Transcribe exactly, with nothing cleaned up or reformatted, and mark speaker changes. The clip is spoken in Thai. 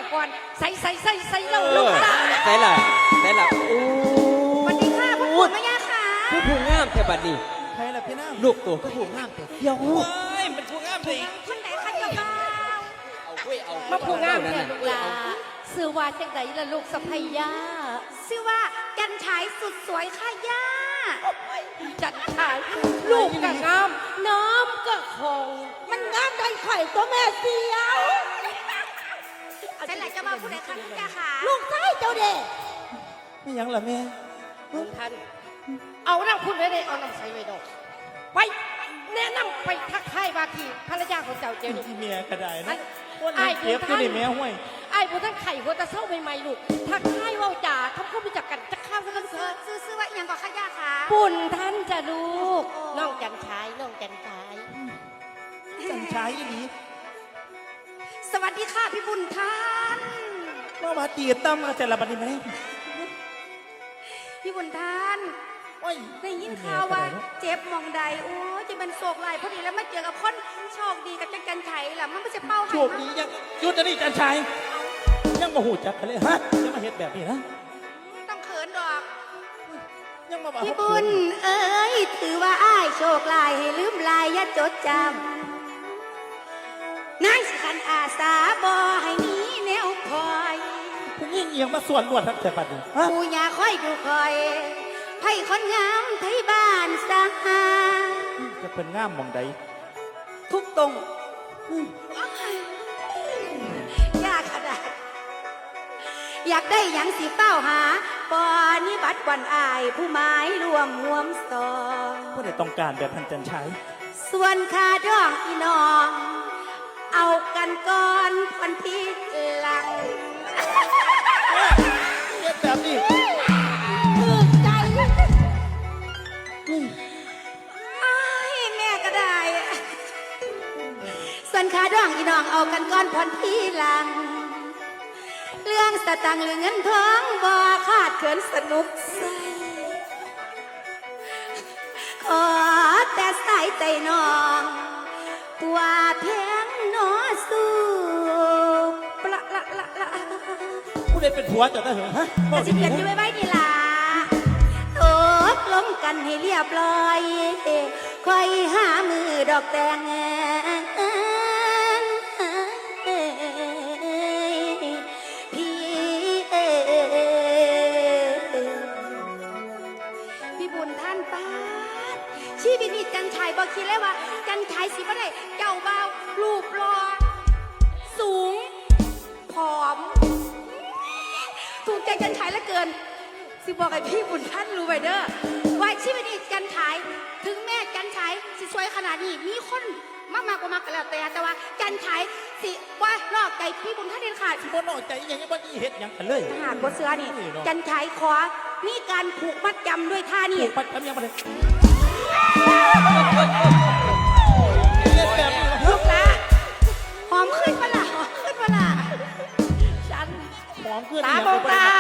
Speaker 1: ก่อนใส่ใส่ใส่ใส่เราลูกตา
Speaker 2: ใส่ละใส่ละโอ้
Speaker 1: สวัสดีค่ะพ่อปู่แม่ย่าค่ะ
Speaker 2: ผู้ผู้งามแค่บัดนี้
Speaker 3: ใครล่ะพี่น้า
Speaker 2: ลูกตัวผู้ผู้งามแต่เดียวเ
Speaker 3: ฮ้ยมันผู้งามสิ
Speaker 1: คนไหนคะเจ้าบ่าว
Speaker 2: เอาเว้ยเอา
Speaker 1: มาผู้งามเนี่ยลูกหลาชื่อว่าจังไดล่ะลูกสะใภ้ย่าชื่อว่าจันฉายสุดสวยค่ะย่าจันฉายลูกก็งามน้ำก็คงมันงามได้ไข่ตัวแม่เสียวฉันไหนจะมาผู้ใดคะลูกย่าค่ะลูกชายเจ้าเด็ก
Speaker 3: ไม่ยังล่ะแม่
Speaker 1: คุณท่านเอาน้ำคุณไว้เลยเอาน้ำใส่ไว้ดอกไปแนะนำไปทักทายบาทีภรรยาของเจ้าเจ้านี่
Speaker 3: ที่เมียก็ได้นะ
Speaker 1: ไอ้
Speaker 3: เก็บที่นี่แม่ห้วย
Speaker 1: ไอ้พวกท่านไข่หัวตะเศร้าใหม่ๆลูกทักทายว่าจ่าทำข้าวไปจักกันจะข้าวกันซื้อซื้อซื้อว่าอย่างก่อข้าย่าค่ะปุ่นท่านจะลูกน้องจันชายน้องจันชาย
Speaker 3: จันชายอีนี้
Speaker 1: สวัสดีค่ะพี่บุญท่าน
Speaker 3: มามาตีตั้มมาแต่ละบัดนี้ไหม
Speaker 1: พี่บุญท่านได้ยินข่าวว่าเจ็บมองใดโอ้จะเป็นโศกลายพอดีแล้วมาเจอกับคนโชคดีกับจันจันไฉล่ะมันไม่ใช่เป้า
Speaker 3: โชคดียังยุดจะนี่จันชายยังมาหูจักกันเลยฮะยังมาเฮ็ดแบบนี้นะ
Speaker 1: ต้องเขินดอก
Speaker 3: ยังมาบอก
Speaker 1: พี่บุญเอ้ยถือว่าอ้ายโชคลายให้ลืมลายอย่าจดจำนายสิขันอาสาบอให้มีแนวคอย
Speaker 3: ผู้ยิ่งเอียงมาส่วนรวดทั้งแต่บัดนี้
Speaker 1: ผู้ยาคอยดูคอยไพ่คนงามไทยบ้านสา
Speaker 3: จะเป็นงามมองใด
Speaker 1: ทุกตรงยากขนาดอยากได้อย่างสีเป้าหาปอนิบัติวันอายผู้ไม้รวมห่วมสอง
Speaker 3: ผู้ใดต้องการแบบพันจันชัย
Speaker 1: ส่วนคาดองอีน้องเอากันก่อนพันทีหลัง
Speaker 3: เฮ็ดแบบนี้
Speaker 1: แม่ก็ได้ส่วนขาดองอีน้องเอากันก้อนพรที่หลังเรื่องสตังหรือเงินทองบ่ขาดเขินสนุกใสขอแต่สายใจน้องตัวเพียงนอสู้ปละละละละ
Speaker 3: ผู้ใดเป็นผัวจะได้เหรอฮะ
Speaker 1: แต่สิเกิดอยู่ไว้ไว้ดีล่ะตกลงกันให้เรียบร้อยคอยหามือดอกแตงพี่พี่บุญท่านป้าชีวิตนี้จันชายบอกคิดเลยว่าจันชายสิบ่ได้เจ้าเบารูปรอสูงผอมถูกใจจันชายเหลือเกินสิบอกให้พี่บุญท่านรู้ไว้เด้อว่าชีวิตนี้จันชายถึงแม่จันชายสิสวยขนาดนี้มีคนมากมากกว่ามากกันแล้วแต่แต่ว่าจันชายสิว่านอกใจพี่บุญท่านเด็ดขาด
Speaker 3: สิบ่นอกใจอย่างนี้บ่นี่เฮ็ดหยังกันเลย
Speaker 1: หากว่าเสือนี่จันชายขอมีการผูกมัดจำด้วยท่านี่
Speaker 3: ผูกมัดจำยังบ่ได้
Speaker 1: ลูกละหอมขึ้นปะล่ะหอมขึ้นปะล่ะฉัน
Speaker 3: หอมขึ้น
Speaker 1: ตาโบตา